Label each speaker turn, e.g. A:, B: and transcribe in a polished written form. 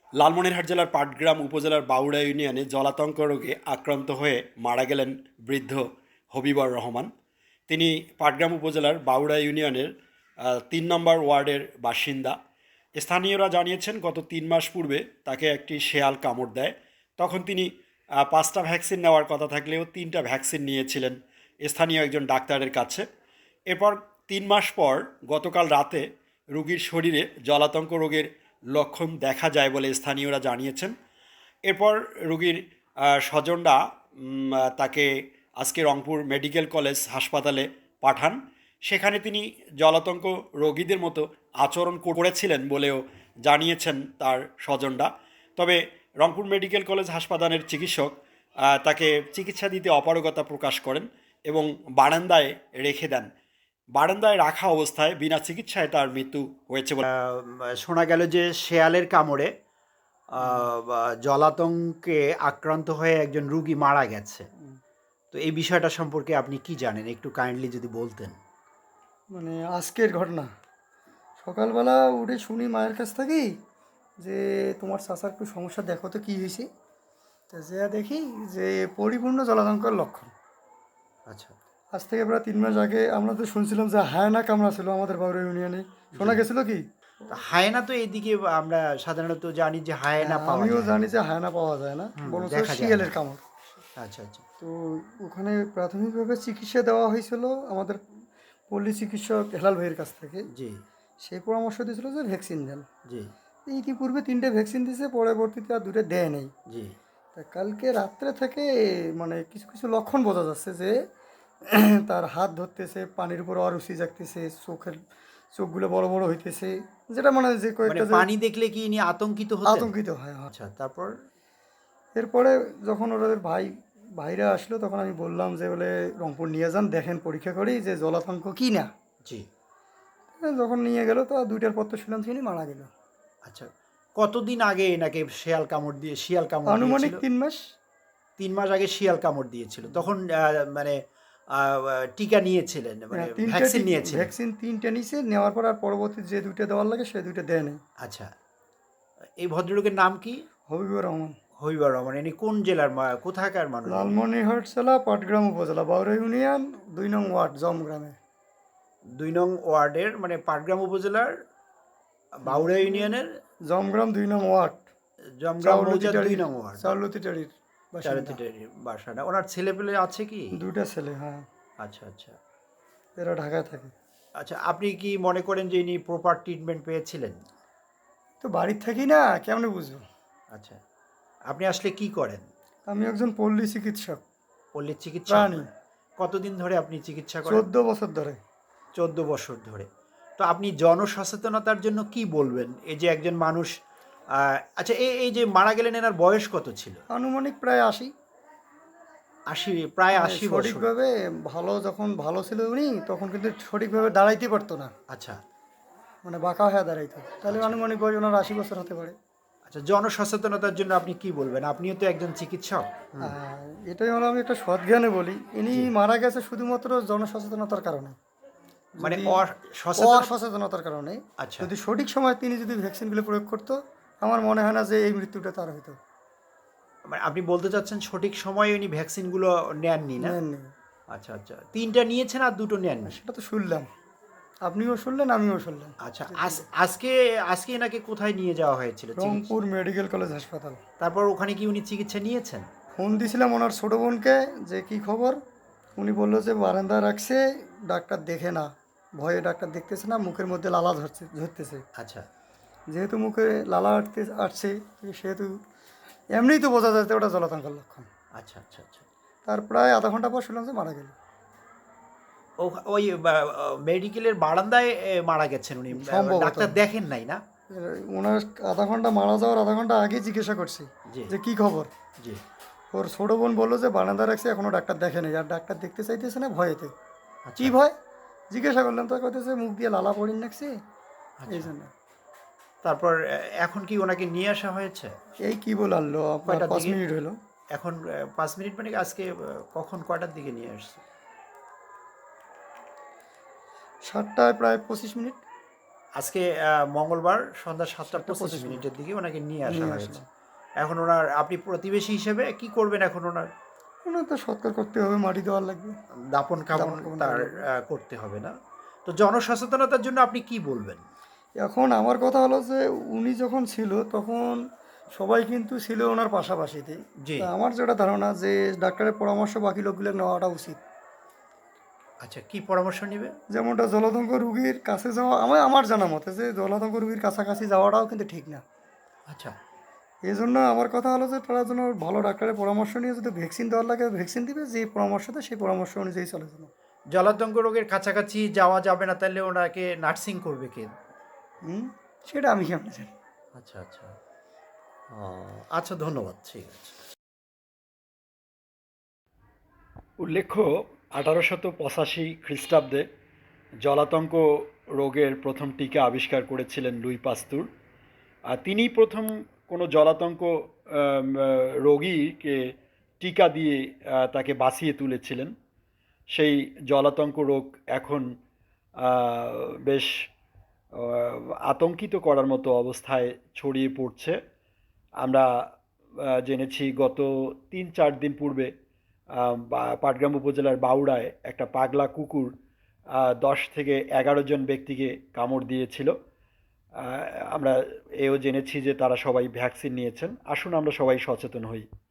A: লালমনিরহাট জেলার পাটগ্রাম উপজেলার বাউড়া ইউনিয়নে জলাতঙ্ক রোগে আক্রান্ত হয়ে মারা গেলেন বৃদ্ধ হবিবর রহমান। তিনি পাটগ্রাম উপজেলার বাউড়া ইউনিয়নের ৩ নম্বর ওয়ার্ডের বাসিন্দা। স্থানীয়রা জানিয়েছেন গত ৩ মাস পূর্বে তাকে একটি শেয়াল কামড় দেয়। তখন তিনি ৫টা ভ্যাকসিন নেওয়ার কথা থাকলেও ৩টা ভ্যাকসিন নিয়েছিলেন স্থানীয় একজন ডাক্তারের কাছে। এরপর ৩ মাস পর গতকাল রাতে রোগীর শরীরে জলাতঙ্ক রোগের লক্ষণ দেখা যায় বলে স্থানীয়রা জানিয়েছেন। এরপর রোগীর স্বজনরা তাকে আজকে রংপুর মেডিকেল কলেজ হাসপাতালে পাঠান। সেখানে তিনি জলাতঙ্ক রোগীদের মতো আচরণ করেছিলেন বলেও জানিয়েছেন তার স্বজনরা। তবে রংপুর মেডিকেল কলেজ হাসপাতালের চিকিৎসক তাকে চিকিৎসা দিতে অপারগতা প্রকাশ করেন এবং বারান্দায় রেখে দেন। বারান্দায় রাখা অবস্থায় বিনা চিকিৎসায় তার মৃত্যু হয়েছে বলে শোনা গেল যে শেয়ালের কামড়ে জলাতঙ্কে আক্রান্ত হয়ে একজন রুগী মারা গেছে। তো এই বিষয়টা সম্পর্কে আপনি কি জানেন, একটু কাইন্ডলি যদি বলতেন।
B: মানে আজকের ঘটনা সকালবেলা উঠে শুনি মায়ের কাছ থেকেই যে তোমার চাচার একটু সমস্যা, দেখো তো কী হয়েছে। তা যে দেখি যে পরিপূর্ণ জলাতঙ্কের লক্ষণ।
A: আচ্ছা,
B: আজ থেকে প্রায় 3 মাস আগে আমরা তো শুনছিলাম যে হায়না কামড়া ছিল আমাদের বাউরা ইউনিয়নে, শোনা গেছিল কি?
A: হায়না তো এইদিকে আমরা সাধারণত জানি যে হায়না পাওয়া
B: আমিও
A: যায়।
B: জানি যে হায়না পাওয়া যায় না, বলছে
A: দেখা যায়
B: শিয়ালের
A: না।
B: কামড়।
A: আচ্ছা আচ্ছা।
B: তো ওখানে প্রাথমিকভাবে চিকিৎসা দেওয়া হয়েছিল আমাদের পল্লী চিকিৎসক হেলাল ভাইয়ের কাছ থেকে।
A: জি
B: সেই পরামর্শ দিয়েছিল যে ভ্যাকসিন দেন।
A: জি
B: ইতিপূর্বে 3টে ভ্যাকসিন দিয়েছে, পরবর্তীতে আর 2টা দেয় নেই।
A: জি।
B: তা কালকে রাত্রে থেকে মানে কিছু কিছু লক্ষণ বোঝা যাচ্ছে যে তার হাত ধরতেছে, পানির উপর অরুচি জাগতেছে, চোখগুলো বড় বড় হইতেছে, যেটা মানে যে
A: মানে
B: কয়েকটা যে
A: পানি দেখলে কি ইনি আতঙ্কিত হতেন?
B: আতঙ্কিত হয়।
A: আচ্ছা, তারপর?
B: এরপরে যখন ওদের ভাইরা আসলো তখন আমি বললাম যে বলে রংপুর নিয়ে যান, দেখেন পরীক্ষা করি যে জলাতঙ্ক কি না।
A: জি।
B: যখন নিয়ে গেল তো 2টার পর তো শুনলাম তিনি মারা গেল।
A: আচ্ছা, কতদিন আগে এনাকে শিয়াল কামড়
B: আনুমানিক
A: দিয়েছিল?
B: 3 মাস।
A: ৩ মাস আগে শিয়াল কামড় দিয়েছিল। তখন মানে টিকা নিয়েছিলেন, মানে
B: হ্যাঁ, 3টে
A: ভ্যাকসিন নিয়েছিলেন?
B: ভ্যাকসিন 3টে নিছে, নেওয়ার পর আর পরবর্তী যে 2টা দেওয়ার লাগে সে 2টা দেয় নাই।
A: আচ্ছা, এই ভদ্রলোকের নাম কি?
B: হবিবুর রহমান।
A: হবিবর রহমান। ইনি কোন জেলার কোথাকার মানুষ?
B: লালমনিরহাট জেলা পাটগ্রাম উপজেলা বাউরা ইউনিয়ন 2 নং ওয়ার্ড জমগ্রামে।
A: ২ নং ওয়ার্ডের, মানে পাটগ্রাম উপজেলার বাউড়া ইউনিয়নের
B: জমগ্রাম 2 নং ওয়ার্ড,
A: জমগ্রাম মৌজার ২ নং ওয়ার্ড,
B: চাউলতিটারির বাসিন্দা।
A: চারুতিটের বাসাটা। ওনার ছেলেপেলে আছে কি?
B: 2টা ছেলে, হ্যাঁ।
A: আচ্ছা আচ্ছা।
B: এরা ঢাকায় থাকে।
A: আচ্ছা, আপনি কি মনে করেন যে ইনি প্রপার ট্রিটমেন্ট পেয়েছিলেন?
B: তো বাড়ির থাকি না, কেমনে বুঝবো?
A: আচ্ছা, আপনি আসলে কি করেন?
B: আমি একজন পল্লী চিকিৎসক,
A: পল্লীর চিকিৎসক?
B: প্রাণী।
A: কতদিন ধরে আপনি চিকিৎসা করেন?
B: 14 বছর ধরে।
A: 14 বছর ধরে। তো আপনি জনসচেতনতার জন্য কি বলবেন? এই যে একজন মানুষ, আচ্ছা, এই যে মারা গেলেন, এনার বয়স কত ছিল?
B: আনুমানিক প্রায় 80।
A: ৮০, প্রায়
B: মানে
A: ৮০ বছর।
B: সঠিকভাবে যখন ভালো ছিল উনি, তখন কিন্তু সঠিকভাবে দাঁড়াইতে পারতো না,
A: আচ্ছা
B: মানে বাঁকা হয়ে দাঁড়াইতো। তাহলে
A: আচ্ছা
B: আনুমানিক বয়স ওনার 80 বছর হতে পারে।
A: আচ্ছা, জনসচেতনতার জন্য আপনি কি বলবেন? আপনিও তো একজন চিকিৎসক।
B: এটাই হলো, আমি একটা সৎজ্ঞানে বলি, ইনি
A: জি।
B: মারা গেছে শুধুমাত্র জনসচেতনতার কারণে।
A: মানে
B: যদি
A: সচেতন।
B: অসচেতনতার কারণে,
A: আচ্ছা,
B: যদি সঠিক সময় তিনি যদি ভ্যাকসিনগুলো প্রয়োগ করতো, আমার মনে হয় না যে এই মৃত্যুটা তার হতো।
A: মানে আপনি বলতে চাচ্ছেন সঠিক সময়ে উনি ভ্যাকসিনগুলো নেননি, না?
B: নেননি।
A: আচ্ছা আচ্ছা, ৩টা নিয়েছেন আর 2টো নেননি।
B: সেটা তো শুনলাম, আপনিও শুনলেন, আমিও শুনলাম।
A: আচ্ছা, আজকে আজকে এনাকে কোথায় নিয়ে যাওয়া হয়েছিল চিকিৎসা?
B: রংপুর মেডিকেল কলেজ হাসপাতাল।
A: তারপর ওখানে কি উনি চিকিৎসা নিয়েছেন?
B: ফোন দিছিলাম ওনার ছোটো বোনকে যে কি খবর। উনি বললো যে বারান্দায় রাখছে, ডাক্তার দেখে না, ভয়ে ডাক্তার দেখতেছে না, মুখের মধ্যে লালা ঝরতেছে।
A: আচ্ছা
B: যেহেতু মুখে লালা আসছে, সেহেতু এমনিই তো বোঝা যায় যে ওটা জলাতঙ্কের লক্ষণ।
A: আচ্ছা আচ্ছা আচ্ছা।
B: তার প্রায় আধা ঘন্টা পর শুনলাম যে মারা গেল।
A: ওই মেডিকেলের বারান্দায় মারা গেছেন উনি?
B: সম্ভবত।
A: ডাক্তার দেখেন নাই, না?
B: ওনার আধা ঘন্টা, মারা যাওয়ার আধা ঘন্টা আগে জিজ্ঞাসা করছি
A: জি
B: যে কি খবর।
A: জি।
B: ওর ছোটো বোন বললো যে বারান্দা রাখছে, এখনও ডাক্তার দেখে নেই, আর ডাক্তার দেখতে চাইতেছে না ভয়েতে।
A: আচ্ছা
B: কি ভয় জিজ্ঞাসা করলাম, তো কইতেছে মুখ দিয়ে লালা পড়িন রাখছে, এই
A: আচ্ছা।
B: জন্য।
A: তারপর এখন কি ওনাকে নিয়ে আসা হয়েছে?
B: এই কি বলে আনলো আপনার,
A: কয়টার
B: 5
A: দিকে?
B: মিনিট হলো।
A: এখন 5 মিনিট, মানে আজকে কখন, কয়টার দিকে নিয়ে আসছে?
B: 7টায় প্রায় 25 মিনিট।
C: আজকে মঙ্গলবার সন্ধ্যা 7:25 দিকে ওনাকে নিয়ে আসা
B: নিয়ে
C: হয়েছে।
B: আসলাম।
C: এখন ওনার, আপনি প্রতিবেশী হিসেবে কি করবেন এখন ওনার?
B: ওনার তো সৎকার করতে হবে, মাটি দেওয়ার লাগবে।
C: দাপন কাপন
B: দাফন কাফন
C: তার
B: করা লাগবে।
C: করতে হবে না? তো জনসচেতনতার জন্য আপনি কি বলবেন?
B: এখন আমার কথা হলো যে উনি যখন ছিল তখন সবাই কিন্তু ছিল ওনার পাশাপাশিতে।
C: জি।
B: তা আমার যেটা ধারণা যে ডাক্তারের পরামর্শ বাকি লোকগুলো নেওয়াটা উচিত।
C: আচ্ছা, কি পরামর্শ নিবে?
B: যেমনটা জলাতঙ্ক রুগীর কাছে যাওয়া, আমার জানা মতে যে জলাতঙ্ক রুগীর কাছাকাছি যাওয়াটাও কিন্তু ঠিক না।
C: আচ্ছা,
B: এই জন্য আমার কথা হলো যে তারা যেন ভালো ডাক্তারের পরামর্শ নিয়ে যদি ভ্যাকসিন দেওয়ার লাগে ভ্যাকসিন দিবে, যে পরামর্শ দেয় সেই পরামর্শ অনুযায়ী চলে যেন।
C: জলাতঙ্ক রোগের কাছাকাছি যাওয়া যাবে না, তাহলে ওনাকে নার্সিং করবে কে?
B: হুম, সেটা আমি কেমন জানি।
C: আচ্ছা, আচ্ছা। আচ্ছা, ধন্যবাদ, ঠিক আছে।
A: উল্লেখ্য 1885 খ্রিস্টাব্দে জলাতঙ্ক রোগের প্রথম টিকা আবিষ্কার করেছিলেন লুই পাস্তুর। আর তিনিই প্রথম কোনো জলাতঙ্ক রোগীকে টিকা দিয়ে তাকে বাঁচিয়ে তুলেছিলেন। সেই জলাতঙ্ক রোগ এখন বেশ আতঙ্কিত করার মতো অবস্থায় ছড়িয়ে পড়ছে। আমরা জেনেছি গত 3-4 দিন পূর্বে পাটগ্রাম উপজেলার বাউড়ায় একটা পাগলা কুকুর 10 থেকে 11 জন ব্যক্তিকে কামড় দিয়েছিল। আমরা এও জেনেছি যে তারা সবাই ভ্যাকসিন নিয়েছেন। আসুন আমরা সবাই সচেতন হই।